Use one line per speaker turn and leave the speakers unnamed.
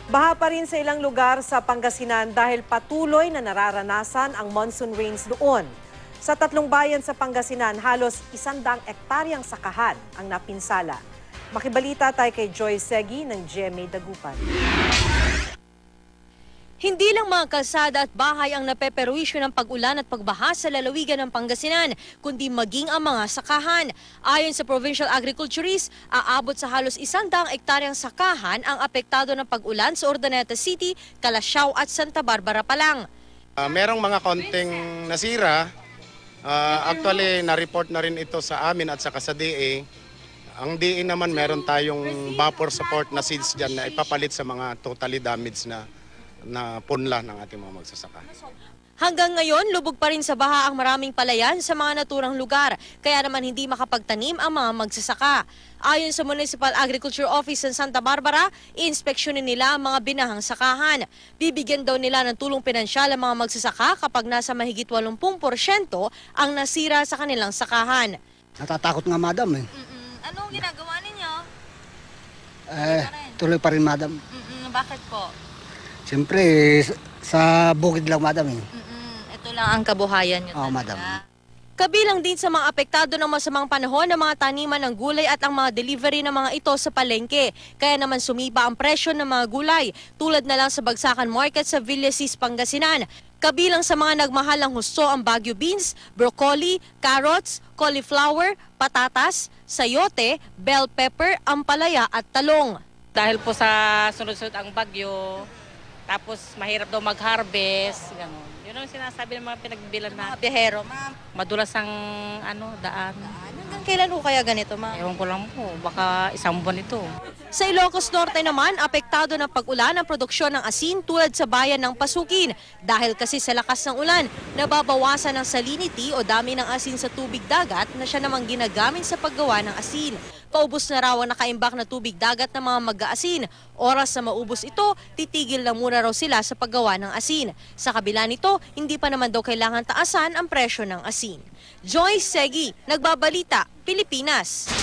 Baha pa rin sa ilang lugar sa Pangasinan dahil patuloy na nararanasan ang monsoon rains doon. Sa 3 bayan sa Pangasinan, halos 100 ektaryang sakahan ang napinsala. Makibalita tayo kay Joy Segi ng GMA Dagupan.
Hindi lang mga kalsada at bahay ang napeperwisyo ng pag-ulan at pagbaha sa lalawigan ng Pangasinan, kundi maging ang mga sakahan. Ayon sa Provincial Agriculturist, aabot sa halos 100 ektaryang sakahan ang apektado ng pag-ulan sa Urdaneta City, Calasiao at Santa Barbara pa lang.
Merong mga konting nasira. Actually, na-report na rin ito sa amin at saka sa DA. Ang DA naman meron tayong vapor support na seeds dyan na ipapalit sa mga totally damaged na punla ng ating mga magsasaka.
Hanggang ngayon, lubog pa rin sa baha ang maraming palayan sa mga naturang lugar, kaya naman hindi makapagtanim ang mga magsasaka. Ayon sa Municipal Agriculture Office ng Santa Barbara, iinspeksyonin nila ang mga binahang sakahan. Bibigyan daw nila ng tulong pinansyal ang mga magsasaka kapag nasa mahigit 80% ang nasira sa kanilang sakahan.
Natatakot nga, madam.
Anong ginagawa ninyo?
Tuloy pa rin, madam.
Bakit po?
Siyempre, sa bukid lang, madam.
Ito lang ang kabuhayan nyo.
Oo, madam.
Kabilang din sa mga apektado ng masamang panahon ng mga taniman ng gulay at ang mga delivery ng mga ito sa palengke. Kaya naman sumiba ang presyo ng mga gulay, tulad na lang sa Bagsakan Market sa Villasis, Pangasinan. Kabilang sa mga nagmahal ng husto ang Baguio beans, broccoli, carrots, cauliflower, patatas, sayote, bell pepper, ampalaya at talong.
Dahil po sa sunod-sunod ang bagyo, tapos mahirap daw mag-harvest, gano'n. Yun ang sinasabi ng mga pinagbilan na
Biyahero, ma'am.
madulas ang daan.
Hanggang kailan ho kaya ganito, ma'am?
Ewan ko lang po, baka 1 buwan ito.
Sa Ilocos Norte naman, apektado ng pag-ulan ang produksyon ng asin tulad sa bayan ng Pasukin. Dahil kasi sa lakas ng ulan, nababawasan ang salinity o dami ng asin sa tubig dagat na siya namang ginagamit sa paggawa ng asin. Paubos na raw ang nakaimbak na tubig dagat ng mga mag-aasin. Oras na maubos ito, titigil na muna raw sila sa paggawa ng asin. Sa kabila nito, hindi pa naman daw kailangan taasan ang presyo ng asin. Joy Segi, Nagbabalita, Pilipinas.